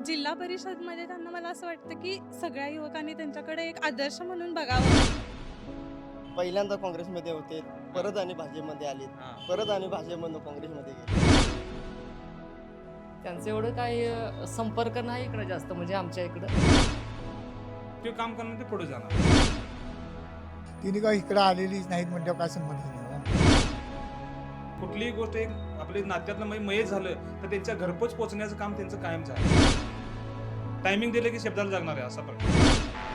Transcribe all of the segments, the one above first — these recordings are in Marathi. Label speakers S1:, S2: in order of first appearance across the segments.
S1: जिल्हा परिषदमध्ये त्यांना मला असं वाटतं की सगळ्या युवकांनी त्यांच्याकडे एक आदर्श म्हणून बघावं.
S2: पहिल्यांदा काँग्रेसमध्ये होते, परत आणि भाजपमध्ये आले, परत आणि भाजपमधून काँग्रेसमध्ये गेले.
S3: त्यांचं एवढं काही संपर्क नाही इकडं जास्त, म्हणजे आमच्या इकडं.
S4: ते काम करणं ते पुढे जाणार.
S5: तिने काय इकडं आलेलीच नाहीत म्हणजे काय संबंध नाही.
S4: कुठलीही गोष्ट एक आपल्या नात्यातलं मयच झालं तर त्यांच्या घरपोच पोहोचण्याचं काम त्यांचं कायम आहे. टायमिंग दिलं की शब्दाला जागणार आहे असा प्रकार.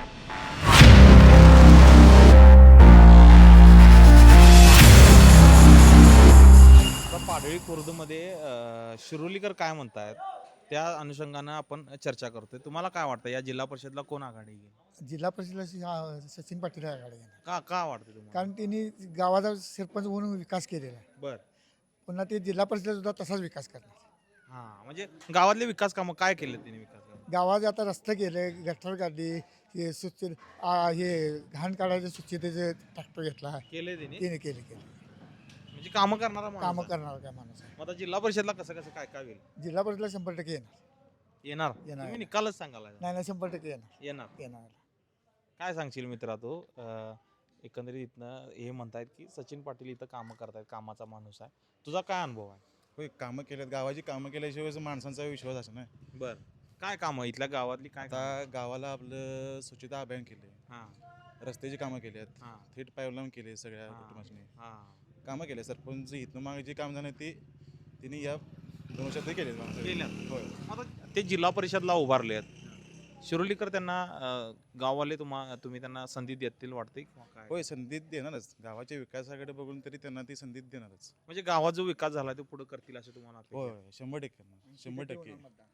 S6: पाडळी खुर्दमध्ये शिरोलीकर काय म्हणतायत त्या अनुषंगानं आपण चर्चा करतोय. तुम्हाला काय वाटतं या जिल्हा परिषदला कोण आघाडी घेईल?
S5: जिल्हा परिषदेला सचिन पाटील आघाडी घेणार.
S6: का वाटतं तुम्हाला?
S5: कारण त्यांनी गावाचा सरपंच म्हणून विकास केलेला आहे.
S6: बर
S5: पुन्हा ते जिल्हा परिषद सुद्धा तसाच विकास करणार.
S6: हा, म्हणजे गावातले विकास कामं काय केले त्यांनी विकास कामं?
S5: गावात आता रस्ते केले, गटर काढली, हे स्वच्छ हे घाण काढायचे स्वच्छतेचे ट्रॅक्टर घेतला.
S6: केले त्यांनी
S5: तिने केले
S6: म्हणजे कामं करणारा माणूस
S5: कामं
S6: आहे.
S5: करणार काय माणूस आहे.
S6: मग आता जिल्हा परिषदला कसं काय काय होईल?
S5: जिल्हा परिषदला 100% येणार.
S6: येणार तुम्ही निकालच सांगायला
S5: नाही 100%
S6: येणार.
S5: येणार.
S6: काय सांगशील मित्रा तू? एकंदरीत इथनं हे म्हणतायत की सचिन पाटील इथं कामं करतायत, कामाचा माणूस आहे. तुझा काय अनुभव आहे?
S7: होय, कामं केल्यात, गावाची कामं केल्याशिवाय माणसांचा विश्वास असं नाही.
S6: बर, काय कामं इथल्या गावातली काय कामं?
S7: आता गावाला आपलं स्वच्छता अभियान केले,
S6: हा
S7: रस्त्याची कामं केल्यात,
S6: हा
S7: थेट पाईपलाईन केले, सगळ्या
S6: हा.
S7: कुटुंबाची
S6: हा.
S7: कामं केले. सरपंच इथनं मागे जे काम झालं ते तिने या 2 वर्षात केले.
S6: केल्यात.
S7: होय.
S6: आता ते जिल्हा परिषदला उभारले आहेत. शिरोलीकर त्यांना गाववाले तुम्ही त्यांना संधी देतील वाटते किंवा काय?
S7: होय, संधी देणारच. गावाच्या विकासाकडे बघून तरी त्यांना ती संधी देणारच.
S6: म्हणजे गावात जो विकास झाला तो पुढे करतील असं तुम्हाला वाटतं?
S7: होय, 100% ना, 100%.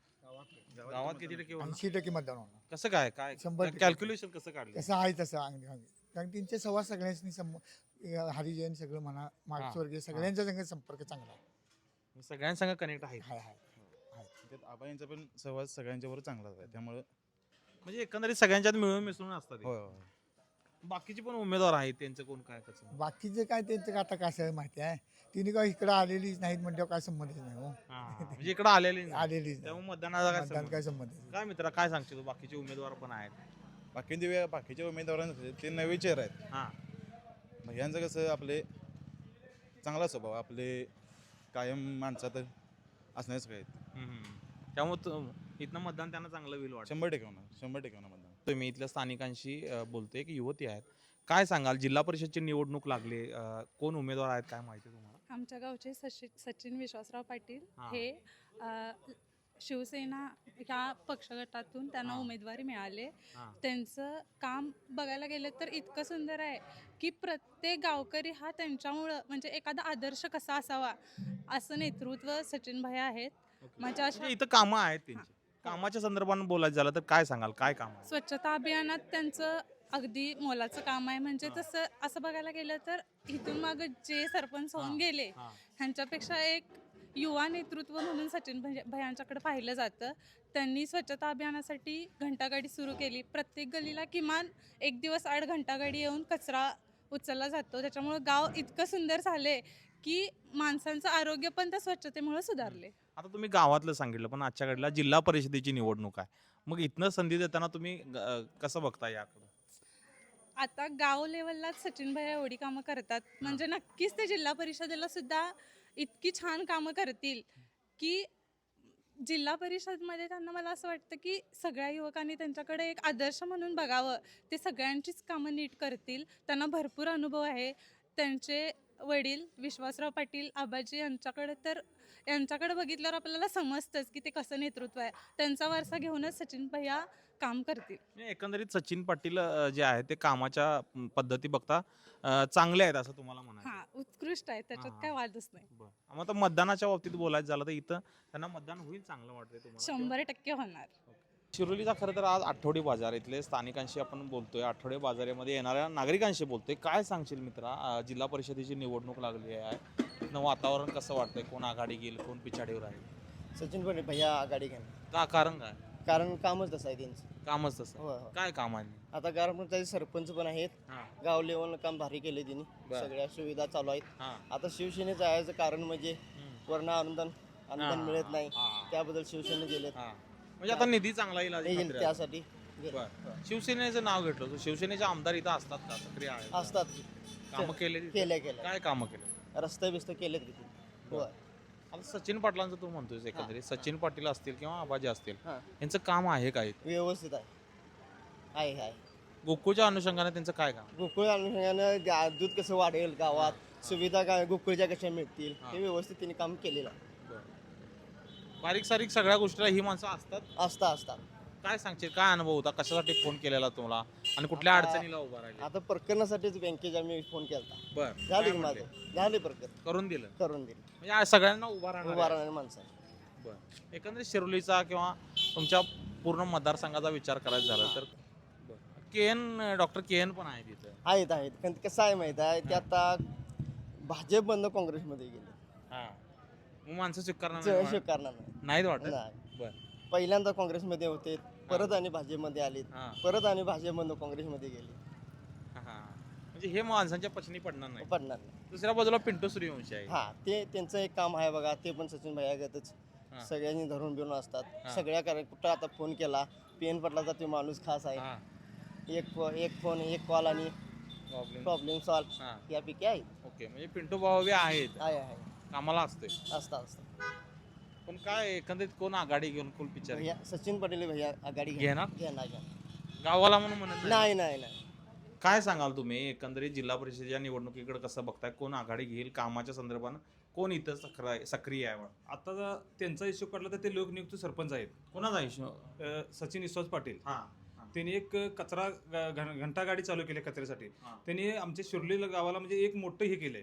S6: गावात किती टक्के होणार?
S5: 80% मतदान होणार.
S6: कसं काय काय
S5: 100%
S6: कॅल्क्युलेशन कसं काढलं?
S5: कसं आहे तसं कारण त्यांचे संवाद सगळ्यांनी हरिजन सगळं म्हणा, मागासवर्गीय सगळ्यांच्या संग संपर्क चांगला आहे.
S6: सगळ्यांसंग कनेक्ट आहे.
S7: त्यात आबाईंचा पण सहवास सगळ्यांच्या बरोबर चांगलाच आहे. त्यामुळे
S6: म्हणजे एकंदरीत सगळ्यांच्यात मिळून मिसळून असतात.
S7: होय होय.
S6: बाकीचे पण उमेदवार आहेत, त्यांचं कोण काय कसं?
S5: बाकीचे काय त्यांचं आता कसं आहे माहिती आहे, तिने काय इकडं आलेलीच नाहीत म्हणजे काय संबंधच नाही हो.
S6: म्हणजे इकडे आलेले नाही.
S5: आलेलीच नाही.
S6: त्यामुळे मतदानाचा काय
S5: मतदान
S6: संबंध?
S5: काय संबंध नाही.
S6: काय मित्रा काय सांगशील तू? बाकीचे उमेदवार पण आहेत.
S7: बाकीच्या उमेदवारांचे ते नवे चेहरे आहेत.
S6: हा.
S7: मग ह्यांचं कसं आपले चांगला स्वभाव, आपले कायम माणसात असण्याचं काय
S6: त्यामुळे इथनं मतदान त्यांना चांगलं होईल वाटतं.
S7: 100% होणार, 100% होणार मतदान.
S6: तुम्ही इथल्या स्थानिकांशी बोलतोय की युवती आहेत, काय सांगाल? जिल्हा परिषदची निवडणूक लागली, कोण उमेदवार आहेत काय माहिती तुम्हाला?
S1: आमच्या गावचे सचिन विश्वासराव पाटील
S6: हा.
S1: हे शिवसेना ह्या पक्षगटातून त्यांना
S6: हा.
S1: उमेदवारी मिळाले.
S6: हा.
S1: त्यांचं काम बघायला गेलं तर इतकं सुंदर आहे की प्रत्येक गावकरी हा त्यांच्यामुळं म्हणजे एखादा आदर्श कसा असावा असं नेतृत्व सचिन भाई आहेत. माझ्या
S6: म्हणजे इथं कामं आहेत त्यांची. कामाच्या संदर्भात बोलायचं झालं तर काय सांगाल? काय काम आहे?
S1: स्वच्छता अभियानात त्यांचं अगदी मोलाचं काम आहे. म्हणजे तसं असं बघायला गेलं तर इथून माग जे सरपंच होऊन गेले
S6: हा.
S1: ह्यांच्यापेक्षा एक युवा नेतृत्व म्हणून सचिन भैयांच्याकडे पाहिलं जातं. त्यांनी स्वच्छता अभियानासाठी घंटागाडी सुरू केली. प्रत्येक गल्लीला किमान एक दिवस आड घंटागाडी येऊन कचरा उचलला जातो. त्याच्यामुळं गाव इतकं सुंदर झाले की माणसांचं आरोग्य पण त्या स्वच्छतेमुळे सुधारले.
S6: आता तुम्ही गावातलं सांगितलं, पण आजच्या घडीला जिल्हा परिषदेची निवडणूक आहे. मग इथनं संधी देताना तुम्ही कसं बघता याकडे?
S1: आता गाव लेवललाच सचिन भैया एवढी कामं करतात म्हणजे नक्कीच ते जिल्हा परिषदेला सुद्धा इतकी छान कामं करतील की जिल्हा परिषदमध्ये त्यांना मला असं वाटतं की सगळ्या युवकांनी त्यांच्याकडे एक आदर्श म्हणून बघावं. ते सगळ्यांचीच कामं नीट करतील. त्यांना भरपूर अनुभव आहे. त्यांचे वडील विश्वासराव पाटील आबाजी यांच्याकडे बघितल्यावर आपल्याला समजतंच की ते कसं नेतृत्व आहे. त्यांचा वारसा घेऊनच सचिन भैया काम करतील.
S6: म्हणजे एकंदरीत सचिन पाटील जे आहे ते कामाच्या पद्धती बघता चांगले आहेत असं तुम्हाला म्हणायचं?
S1: हा, उत्कृष्ट आहे, त्याच्यात
S6: हा.
S1: काय वादच नाही.
S6: बरं. मग आता मतदानाच्या बाबतीत बोलायचं झालं तर इथं त्यांना मतदान होईल चांगलं वाटतंय तुम्हाला?
S1: 100% होणार.
S6: शिरोलीचा खरं तर आज आठवडी बाजार, इथले स्थानिकांशी आपण बोलतोय, आठवडे बाजारामध्ये येणाऱ्या नागरिकांशी बोलतोय. काय सांगशील मित्रा? जिल्हा परिषदेची निवडणूक लागली आहे, इथनं वातावरण कसं वाटतंय? कोण आघाडी घेईल, कोण पिछाडीवर आहे?
S2: सचिन पाटील भैया आघाडी घेणार.
S6: का कारण काय?
S2: कारण कामच तसं आहे त्यांचं.
S6: कामच तसं.
S2: होय होय.
S6: काय काम आहे?
S2: आता कारण त्याचे सरपंच पण आहेत.
S6: हा.
S2: गाव लेवलला काम भारी केले त्यांनी.
S6: बरं.
S2: सगळ्या सुविधा चालू आहेत.
S6: हा.
S2: आता शिवसेनेचं जायचं कारण म्हणजे वर्ण अनुदान
S6: हा.
S2: मिळत नाही,
S6: हा.
S2: त्याबद्दल शिवसेने गेलेत.
S6: हा. म्हणजे आता निधी चांगला येईल अशी
S2: येईल
S6: खात्री आहे.
S2: त्यासाठी गेले.
S6: बरं. शिवसेनेचं नाव घेतलं तर शिवसेनेचे आमदार इथं असतात का सक्रिय आहेत का?
S2: असतात
S6: कामं केले तिथे?
S2: केल्या
S6: काय कामं केले?
S2: रस्ते बिस्ते केलेत किती होय.
S6: आता सचिन पाटलांचं तू म्हणतोय एकंदरीत सचिन पाटील असतील किंवा आबाजी असतील
S2: हां.
S6: यांचं काम आहे काय
S2: व्यवस्थित आहे
S6: गोकुळच्या अनुषंगाने त्यांचं काय काम
S2: गोकुळ अनुषंगानं दूध कसं वाढेल गावात सुविधा काय गोकुळच्या कशा मिळतील
S6: हां.
S2: हे व्यवस्थित त्यांनी काम केलेलं आहे.
S6: बारीक सारीक सगळ्या गोष्टीला ही माणसं असतात
S2: असतात
S6: काय सांगशील काय अनुभव होता कशासाठी फोन केलेला तुम्हाला आणि कुठल्या
S2: आता-
S6: अडचणीला उभा राहिले
S2: आता प्रकरणासाठीच बँकेच्या मी फोन केला
S6: बर
S2: झाली की माझं झाले प्रकरण
S6: करून दिलं
S2: करून दिले
S6: म्हणजे आज सगळ्यांना उभा राहणार
S2: उभा
S6: आहे.
S2: राहणारे माणसं
S6: बरं एकंदरीत शिरोलीचा किंवा तुमच्या पूर्ण मतदारसंघाचा विचार करायचा झाला तर डॉक्टर के एन पण आहे तिथं
S2: आहेत पण कसं आहे माहित आहे ते आता भाजप बंद काँग्रेसमध्ये गेले
S6: हा मग माणसं स्वीकारणार नाही
S2: स्वीकारणार नाही.
S6: नाहीत वाटत
S2: नाही
S6: बर
S2: पहिल्यांदा काँग्रेसमध्ये होते परत आणि भाजपमध्ये आले
S6: हा
S2: परत आणि भाजपमधून काँग्रेसमध्ये गेले
S6: हा म्हणजे हे माणसांच्या पचनी पडणार नाही
S2: पडणार नाही
S6: दुसऱ्या बाजूला पिंटू सूर्यवंशी आहे
S2: हा ते त्यांचं एक काम आहे बघा ते पण सचिन भैयागतच
S6: हा.
S2: सगळ्यांनी धरून बिरून असतात
S6: हा.
S2: सगळ्या कुठं आता फोन केला पीएन पटलाचा ते माणूस खास आहे
S6: हा
S2: एक फोन एक कॉल आणि
S6: प्रॉब्लेम
S2: प्रॉब्लेम सॉल्व
S6: हा
S2: यापैकी आहे
S6: ओके म्हणजे पिंटू भाऊ बी आहेत
S2: आहे
S6: कामाला असते
S2: असतात
S6: पण काय एकंदरीत कोण आघाडी घेऊन कोण पिक्चर
S2: भैया सचिन पटेल भैया आघाडी
S6: घेणार?
S2: घेणार
S6: गावाला म्हणून म्हणत
S2: नाही नाही नाही
S6: काय सांगाल तुम्ही एकंदरीत जिल्हा परिषदेच्या निवडणुकीकडे कसं बघताय कोण आघाडी घेईल कामाच्या संदर्भानं कोण इथं सक्रिय आहे
S4: आता त्यांचा इश्यू काढला तर ते लोकनियुक्त सरपंच आहेत
S6: कोणाचा इश्यू
S4: सचिन विश्वास पाटील
S6: हा
S4: त्यांनी एक कचरा घंटा गाडी चालू केली कचऱ्यासाठी
S6: हा.
S4: त्यांनी आमच्या शिर्ली गावाला म्हणजे एक मोठं हे केलंय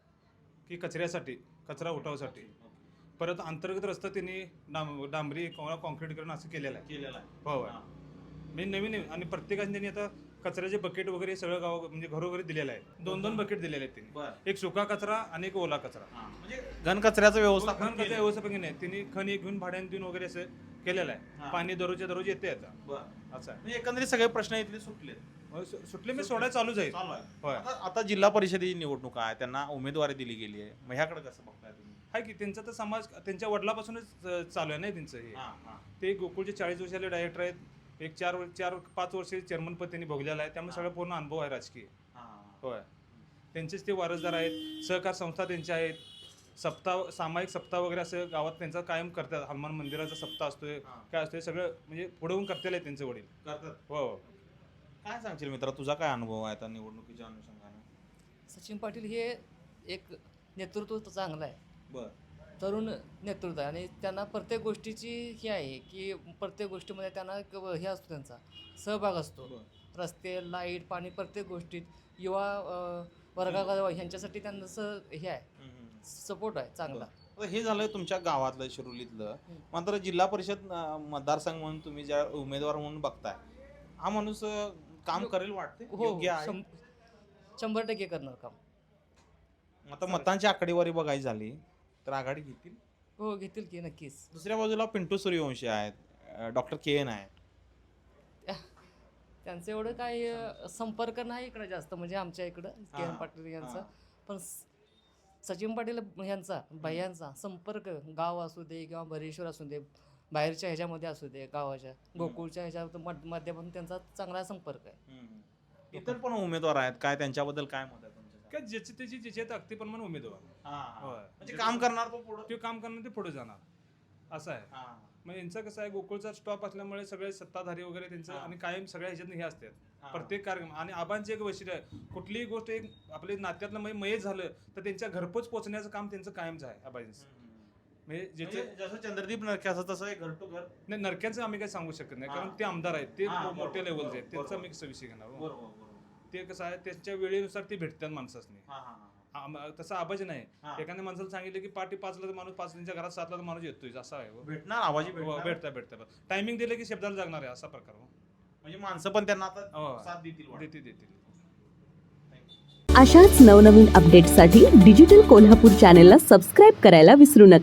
S4: की कचऱ्यासाठी कचरा उठावासाठी परत अंतर्गत रस्ता त्यांनी डांबरी किंवा कॉन्क्रीट करून असं केलेलं आहे
S6: केलेला आहे
S4: हो मी नवीन आणि प्रत्येकाने त्यांनी आता कचऱ्याचे बकेट वगैरे सगळं गाव म्हणजे घरोघरी दिलेलं आहे 2-2 बकेट दिलेले आहेत त्यांनी
S6: बरं
S4: एक सुका कचरा आणि एक ओला कचरा
S6: म्हणजे घनकचऱ्याचं व्यवस्थापन
S4: घन कचरा व्यवस्थापन नाही त्यांनी खण एक घेऊन भाड्याने देऊन वगैरे असं केलेलं आहे
S6: हा.
S4: पाणी दररोजच्या दररोज येते आता
S6: बरं
S4: असं आहे
S6: म्हणजे एकंदरीत सगळे प्रश्न इथले सुटले
S4: सुटले मी सोडायला चालूच आहे
S6: चालू आहे
S4: होय
S6: आता जिल्हा परिषदेची निवडणूक आहे त्यांना उमेदवारी दिली गेली आहे मग ह्याकडे कसं बघताय तुम्ही
S4: आहे की त्यांचा तर समाज त्यांच्या वडिलापासूनच चालू आहे नाही त्यांचं हे
S6: हा, हा.
S4: ते गोकुळचे 40 वर्षाले डायरेक्टर आहेत एक 4-5 वर्ष चेअरमन पद त्यांनी भोगलेलं आहे त्यामुळे सगळं पूर्ण अनुभव आहे राजकीय
S6: हा.
S4: होय त्यांचेच ते वारसदार आहेत सहकार संस्था त्यांच्या आहेत सामायिक सप्ताह वगैरे असं गावात त्यांचा कायम करतात हनुमान मंदिराचा सप्ताह असतोय
S6: हा.
S4: काय असतोय सगळं म्हणजे पुढे होऊन करतेल आहे त्यांचे वडील
S6: करतात
S4: हो
S6: काय सांगशील मित्रा तुझा काय अनुभव आहे आता निवडणुकीच्या अनुषंगाने
S3: सचिन पाटील हे एक नेतृत्व चांगलं आहे
S6: बर
S3: तरुण नेतृत्व आहे आणि त्यांना प्रत्येक गोष्टीची ही आहे की प्रत्येक गोष्टीमध्ये त्यांना हे असतो त्यांचा सहभाग असतो रस्ते लाईट पाणी प्रत्येक गोष्टीत युवा वर्गाला ह्यांच्यासाठी त्यांचं हे आहे सपोर्ट आहे चांगला
S6: आता हे झालं तुमच्या गावातलं शिरोलीतलं मात्र जिल्हा परिषद मतदारसंघ म्हणून तुम्ही ज्या उमेदवार म्हणून बघताय हा माणूस काम करेल वाटते
S3: हो
S6: योग्य आहे
S3: 100% करणार काम
S6: आता मतांची आकडेवारी बघायची झाली तर आघाडी घेतील
S3: हो घेतील की नक्कीच
S6: दुसऱ्या बाजूला पिंटू सूर्यवंशी आहेत डॉक्टर के एन आहे
S3: त्यांचं एवढं काही संपर्क नाही इकडं जास्त म्हणजे आमच्या इकडं के एन पाटील यांचा पण सचिन पाटील यांचा भैयांचा संपर्क गाव असू दे किंवा बरेश्वर असू दे बाहेरच्या ह्याच्यामध्ये असू दे गावाच्या गोकुळच्या ह्याच्या माध्यमातून त्यांचा चांगला संपर्क आहे
S6: इतर पण उमेदवार आहेत काय त्यांच्याबद्दल काय मत आहे तुमचं
S4: काय ज्याची त्याची ज्याच्या ताकदीप्रमाणे उमेदवार होय.
S6: म्हणजे काम करणार तो पुढं
S4: ते काम करणार ते पुढे जाणार असं आहे मग यांचं कसं आहे गोकुळचा स्टॉप असल्यामुळे सगळे सत्ताधारी वगैरे त्यांचं आणि कायम सगळ्या ह्याच्यात हे असतात प्रत्येक कार्यक्रम आणि आबांचे एक वैशिष्ट्य आहे कुठलीही गोष्ट एक आपल्या नात्यातलं मयच झालं तर त्यांच्या घरपोच पोहोचण्याचं काम त्यांचं कायमच आहे आबांचं म्हणजे ज्याचे
S6: जसं चंद्रदीप नरक्याचं तसं घर टू घर
S4: नाही नरक्यांचं आम्ही काही सांगू शकत नाही कारण ते आमदार आहेत ते मोठ्या लेवलचे आहेत त्यांचा मी विषय घेणार ते कसं आहे त्यांच्या वेळेनुसार ते भेटतात माणसाने तसं आवाज नाही एखाद्या माणसाला सांगितलं की पाठी 5ला तर माणूस 5 त्यांच्या घरात 7ला तर माणूस येतोय असं आहे
S6: भेटणार आवाजी
S4: भेटता टायमिंग दिलं की शब्दाला जागणार आहे असा प्रकार
S6: म्हणजे माणसं पण त्यांना आता साथ देतील
S4: देतील
S8: अशाच नवनवीन अपडेट्ससाठी डिजिटल कोल्हापूर चॅनेलला सबस्क्राईब करायला विसरू नका.